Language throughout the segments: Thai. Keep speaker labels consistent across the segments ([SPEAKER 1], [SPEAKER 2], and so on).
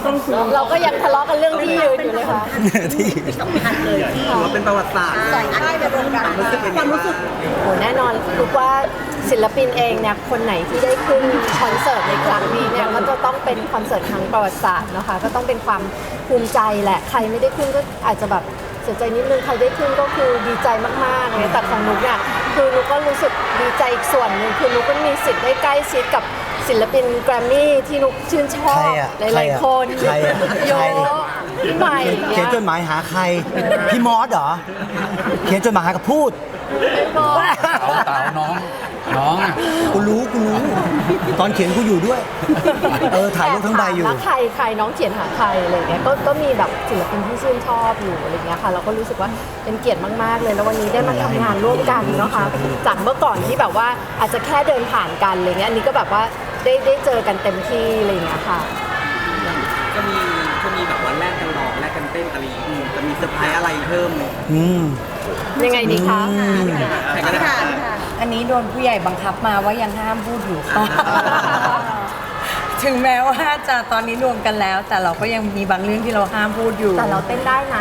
[SPEAKER 1] เราก็ยังทะเลาะกันเรื่องที่ยืนอยู่เลยค่ะ
[SPEAKER 2] ที่สำคัญเลยที่ถือว่าเป็นประวัติศาสตร์ใส่ได้ในวงการความรู้สึก
[SPEAKER 1] โหแน่นอนรู้ว่าศิลปินเองเนี่ยคนไหนที่ได้ขึ้นคอนเสิร์ตในครั้งนี้เนี่ยก็จะต้องเป็นคอนเสิร์ตครั้งประวัติศาสตร์นะคะก็ต้องเป็นความภูมิใจแหละใครไม่ได้ขึ้นก็อาจจะแบบเสียใจนิดนึงใครได้ขึ้นก็คือดีใจมากๆเลยแต่ของนุ๊กเนี่ยคือนุ๊กก็รู้สึกดีใจอีกส่วนหนึ่งคือนุ๊กก็มีสิทธิ์ได้ใกล้ชิดกับศิลปินแกรมมี่ที่นุ๊กชื่นชอบหลายๆคนโยพี่ใหม่
[SPEAKER 3] เขียนจดหมายหาใครพี่มอสเหรอเขียนจดหมายหากับพูด
[SPEAKER 4] เต่าน้องอ่ะ
[SPEAKER 3] กูรู้ตอนเขียนกูอยู่ด้วยถ่ายรูปทั้งใบอยู่
[SPEAKER 1] แล้วใครน้องเขียนหาใครอะไรเงี้ยก็มีแบบศิลปินที่ชื่นชอบอยู่อะไรเงี้ยค่ะเราก็รู้สึกว่าเป็นเกียรติมากๆเลยแล้ววันนี้ได้มาทำงานร่วมกันนะคะจากเมื่อก่อนที่แบบว่าอาจจะแค่เดินผ่านกันอะไรเงี้ยอันนี้ก็แบบว่าได้เจอกันเต็มที่อะไรเงี้ยค่ะ
[SPEAKER 2] จะมีแบบวันแรกกันร้องแรกกันเต้นอะไรจะมีเซอร์ไพรส์อะไรเพิ่ม
[SPEAKER 1] ยังไงดีคะ
[SPEAKER 5] อันนี้โดนผู้ใหญ่บังคับมาว่ายังห้ามพูดอยู่ค่ะถึงแม้ว่าจะตอนนี้รวมกันแล้ว แต่เราก็ยังมีบางเรื่องที่เราห้ามพูดอยู่
[SPEAKER 1] แต่เราเต้นได้นะ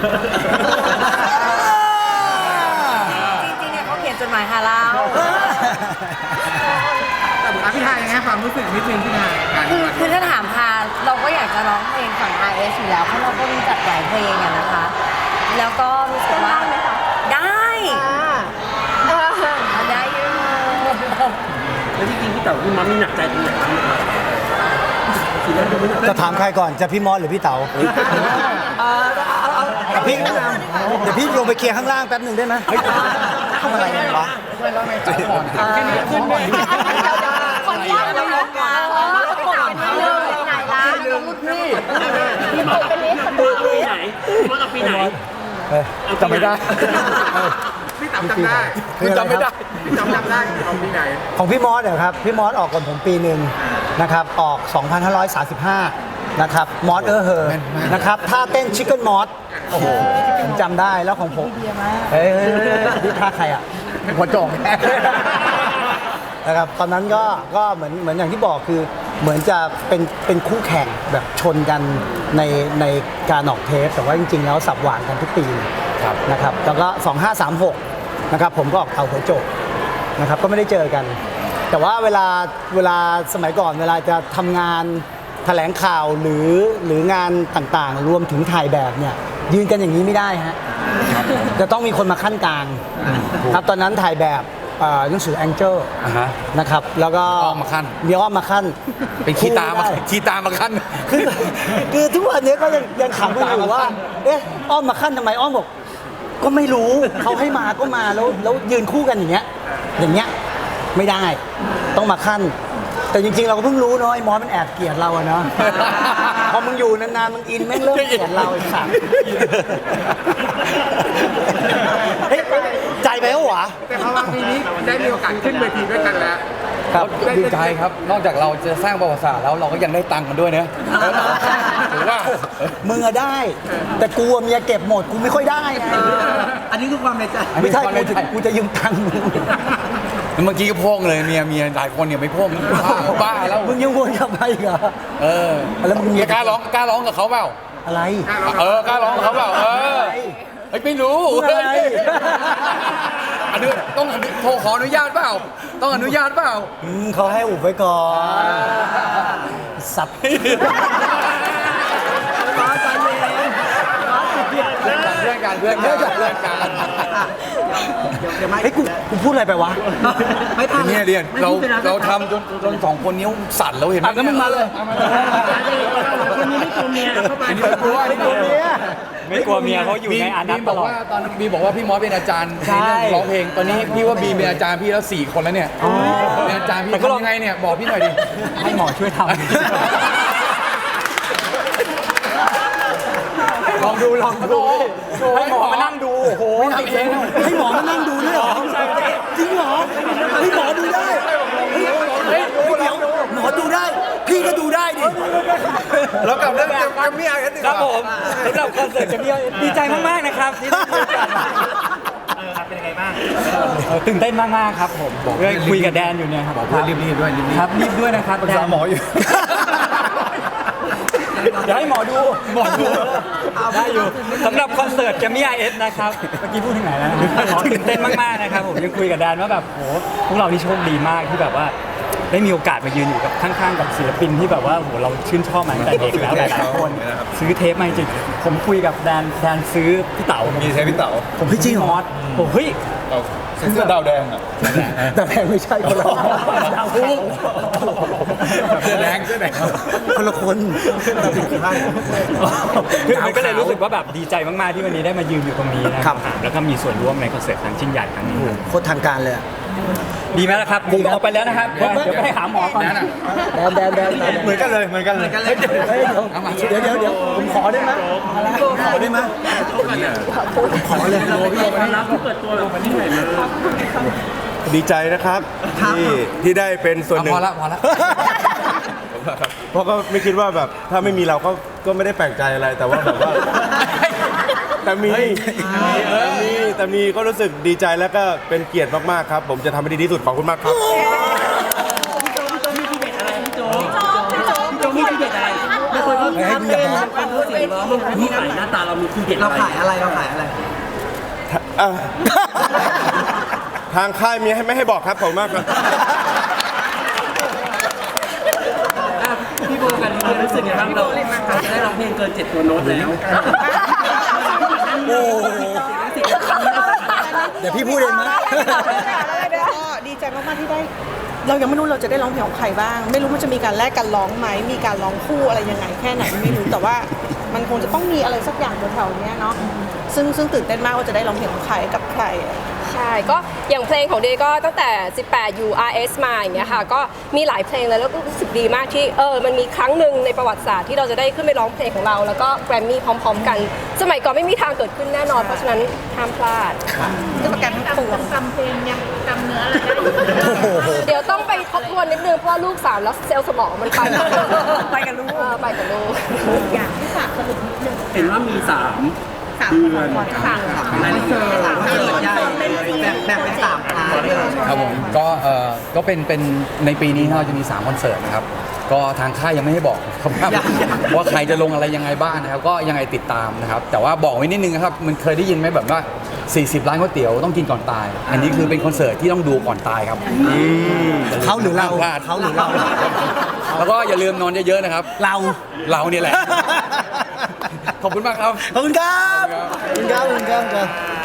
[SPEAKER 5] จริงๆเนี่ยเขาเขียนจดหมายหาเรา
[SPEAKER 2] พี่ทายยังไงความรู้สึกนิดนึงพี่ทาย
[SPEAKER 5] คือถ้าถามพาเราก็อยากจะร้องเพลงฝั่ง RS อยู่แล้วเพราะเราก็รู้จักหลายเพลงอะนะคะ แล้วก็รู้สึกว่าได้ได้อยู่
[SPEAKER 2] แล้วจริงๆพี่เต๋อพี่มัมมีหนักใจตรงไหนบ้าง
[SPEAKER 3] จะถามใครก่อนจะพี่มอสหรือพี่เต๋าพี่เดี๋ยวพี่ลงไปเคลียร์ข้างล่างแป๊บหนึ่งได้ไหมทำอะไรกันวะ
[SPEAKER 1] คนยากเลยนะประกบกันนิดนึงไหนล่ะพี่ตกเป็นนิดประกบ
[SPEAKER 2] ปีไหนมันเอาปีไหน
[SPEAKER 3] จำไม่ได้
[SPEAKER 2] พี่ต๋อจำได้
[SPEAKER 3] พี่จำไม่ได้
[SPEAKER 2] พี่จำได้เอาปีไหน
[SPEAKER 3] ของพี่มอสเหรอครับพี่มอสออกก่อนผมปีหนึ่งนะครับออก 2535 นะครับมอสเฮอนะครับท่าเต้นชิคเก้นมอสโอ้โหผมจำได้แล้วของผมนี่ท่าใครอ่ะหัวโจงนะครับตอนนั้นก็เหมือนอย่างที่บอกคือเหมือนจะเป็นคู่แข่งแบบชนกันในการออกเทปแต่ว่าจริงๆแล้วสับหวานกันทุกปีนะครับแล้วก็2536นะครับผมก็ออกเต่าหัวโจกนะครับก็ไม่ได้เจอกันแต่ว่าเวลาสมัยก่อนเวลาจะทำงานแถลงข่าวหรืองานต่างๆรวมถึงถ่ายแบบเนี่ยยืนกันอย่างนี้ไม่ได้ฮะจะต้องมีคนมาขั้นกลางครับตอนนั้นถ่ายแบบหนังสือแองเจิลนะครับแล้วก็
[SPEAKER 4] อ้อมมาขั้น
[SPEAKER 3] มีอ้อมมาขั้น
[SPEAKER 4] เป็นขี้ตามาขั้น
[SPEAKER 3] คือทุกวันนี้ก็ยังขำกันอยู่ว่าเอ๊ะอ้อมมาขั้นทำไมอ้อมบอกก็ไม่รู้เขาให้มาก็มาแล้วยืนคู่กันอย่างเงี้ยไม่ได้ต้องมาขั้นแต่จริงๆเราก็เพิ่งรู้เนาะไอ้มอสมันแอบเกลียดเราอะเนาะพอมึงอยู่นานๆมึงอินแม่งเริ่มเกลียดเราอีกสัตว์ใจไปแล้วหวะ
[SPEAKER 2] แต่พอมาปีนี้ได้มีโอกาสขึ้นเวทีด้วยกันแล้ว
[SPEAKER 4] ครับดีใจครับนอกจากเราจะสร้างประวัติศาสตร์แล้วเราก็ยังได้ตังค์กันด้วยนะหรือว่า
[SPEAKER 3] มึงอะได้แต่กูเมียเก็บหมดกูไม่ค่อยได้
[SPEAKER 2] อันนี้คือความในใจ
[SPEAKER 3] ไม่ใช่กูจะยืมตังค์มึง
[SPEAKER 4] เมื่อกี้ก็พ่งเลยเมียหลายคนเนี่ยไม่พ่งบ้าแล้ว
[SPEAKER 3] มึงยังวนกลับไปเหรอแล้วมึง
[SPEAKER 4] กล้าร้องกับเขาเปล่า
[SPEAKER 3] อะไร
[SPEAKER 4] กล้าร้องกับเขาเปล่าไม่รู้อันนี้ต้องโทรขออนุญาตเปล่าต้องอนุญาตเปล่า
[SPEAKER 3] เขาให้อุบไว้ก่อนสับเ
[SPEAKER 4] พื่อนกัน
[SPEAKER 3] เฮ้ยกูพูดอะไรไปวะ
[SPEAKER 4] ไม่ทันเนี่ยเรียนเราทำจนสองคนนิ้วสั่นแล้วเห็นไหม
[SPEAKER 3] ก็มึงมาเลย
[SPEAKER 2] คนนี้ไม่กลัวเมียเข้าไป
[SPEAKER 3] ไม่กลัว
[SPEAKER 6] เมียเขาอยู่ในอนัตตลอด
[SPEAKER 4] ตอนบีบอกว่าพี่มอสเป็นอาจารย์ในเรื่องร้องเพลงตอนนี้พี่ว่าบีเป็นอาจารย์พี่แล้ว4 คนแล้วเนี่ยเป็นอาจารย์พี่ทำยังไงเนี่ยบอกพี่หน่อยดิ
[SPEAKER 3] ให้หมอช่วยทำลองดู
[SPEAKER 6] ให้หมอมานั่งดูโอ้โห
[SPEAKER 3] ทำเองให้หมอมานั่งดูด้วยเหรอจริงเหรอให้หมอดูได้หมอดูได้พี่ก็ดูได้ดิ
[SPEAKER 4] แล้วกับเรื่องแกรมมี่
[SPEAKER 6] ครับผมสำหรับคอนเสิร์ตแกรมมี่ดีใจมากๆนะครับที่ได้มีโอกาสเป็นยังไงบ้างตื่นเต้นมากๆครับผมคุยกับแดนอยู่เนี่ยครับ
[SPEAKER 4] บอกเพื่อนรีบด้วย
[SPEAKER 6] ครับรีบด้วยนะครับ
[SPEAKER 4] ปรึกษาหมออยู่
[SPEAKER 6] เดี๋ยวให้หมอดูได้อยู่สำหรับคอนเสิร์ตแกมมี่ IS นะครับเมื่อกี้พูดถึงไหนแล้วตื่นเต้นมากๆนะครับผมยังคุยกับแดนว่าแบบโหพวกเรานี่โชคดีมากที่แบบว่าได้มีโอกาสมายืนอยู่กับข้างๆกับศิลปินที่แบบว่าโหเราชื่นชอบมาตั้งแต่เด็กแล้วหลายๆคนซื้อเทปมาจริงผมคุยกับแดนซื้อพี่เต๋ามีเทปพี่เต๋าผมจริงมอสผมเฮ้ย
[SPEAKER 4] เสื้อดาวแดงอ่ะ
[SPEAKER 3] แต่แพงไม่ใช่คนละ
[SPEAKER 4] เสื้อแดง
[SPEAKER 3] คนละคน
[SPEAKER 6] คือมันก็เลยรู้สึกว่าแบบดีใจมากๆที่วันนี้ได้มายืนอยู่ตรงนี้นะครับแล้วก็มีส่วนร่วมในคอนเสิร์ตครั้งชิ้นใหญ่ครั้งนี้
[SPEAKER 3] โคตรทางการเลยอะ
[SPEAKER 6] ดีไหมล่ะครับผมออกไปแล้วนะครับเดี๋ยวไปหาหมอก่อน
[SPEAKER 3] แดนเหมือนกันเลยเหมือนกันเลยเดี๋ยวผมขอได้ไหมขอได้ไหมขอเลย
[SPEAKER 7] ดีใจนะครับที่ได้เป็นส่วนหนึ่ง
[SPEAKER 4] พอละ
[SPEAKER 7] เพราะก็ไม่คิดว่าแบบถ้าไม่มีเราก็ไม่ได้แปลกใจอะไรแต่ว่าแบบว่าแต่มีก็รู้สึกดีใจแล้วก็เป็นเกียรติมากๆครับ ผมจะทำให้ดีที่สุดขอบคุณมากครับ
[SPEAKER 2] มีทีเด็ดอะไรไม่เคยพูดครับเป็นการพูดเสียงร้องมันที่ไหนหน้าตาเรามีทีเด็ดเราขายอะไร
[SPEAKER 7] อ่ะทางค่ายมีไม่ให้บอกครับขอบคุณมากครับ
[SPEAKER 2] พี่โบกันนี่รู้สึกยังไงบ้างเราได้ร้องเพลงเกิน7ตัวโน้ตแล้ว
[SPEAKER 3] โอ้เดี๋ยวพี่พูดเองนะ
[SPEAKER 8] ก็ดีใจมากๆที่ได้ เรายังไม่รู้เราจะได้ร้องเพลงของใครบ้าง ไม่รู้มันจะมีการแลกกันร้องไหมมีการร้องคู่อะไรยังไงแค่ไหนไม่รู้แต่ว่ามันคงจะต้องมีอะไรสักอย่างแถวๆนี้เนาะซึ่งตื่นเต้นมากว่าจะได้ร้องเพลงของใครกับใคร
[SPEAKER 9] ใช่ก็อย่างเพลงของเดย์ก็ตั้งแต่ 18 URS มาอย่างเงี้ยค่ะก็มีหลายเพลงเลยแล้วก็รู้สึกดีมากที่มันมีครั้งหนึ่งในประวัติศาสตร์ที่เราจะได้ขึ้นไปร้องเพลงของเราแล้วก็แกรมมี่พร้อมๆกัน สมัยก่อนไม่มีทางเกิดขึ้นแน่นอนเพราะฉะนั้นห้ามพลาด
[SPEAKER 8] จะประกันทั้งปวง
[SPEAKER 9] เดี๋ยวต้องไปทบทวนนิดนึงเพราะว่าลูก3แล้วเซลล์สมองมันไปไปกับลูกไปกับลูก
[SPEAKER 8] อย่างที่ฝากสรุปนิดนึง
[SPEAKER 2] เห็นว่ามี3
[SPEAKER 8] 3
[SPEAKER 2] เดือน
[SPEAKER 8] สั่ง
[SPEAKER 2] รายละเอียดใหญ่แบบเป็น3พาร์ท
[SPEAKER 4] ครับผมก็เป็นในปีนี้เราจะมี3คอนเสิร์ตนะครับก็ทางค่ายยังไม่ให้บอกครับว่าใครจะลงอะไรยังไงบ้างนะครับก็ยังไงติดตามนะครับแต่ว่าบอกไว้นิดนึงนะครับมันเคยได้ยินไหมแบบว่า40ร้านก๋วยเตี๋ยวต้องกินก่อนตาย อันนี้คือเป็นคอนเสิร์ตที่ต้องดูก่อนตายครับ
[SPEAKER 3] เขาหรือเรา
[SPEAKER 4] พลาด
[SPEAKER 3] เขาหรือเรา
[SPEAKER 4] แล้วก็อย่าลืมนอนเยอะๆนะครับ เราเนี่ยแหละ ขอบคุณมากครับ
[SPEAKER 3] ขอบคุณครับขอบคุณครับ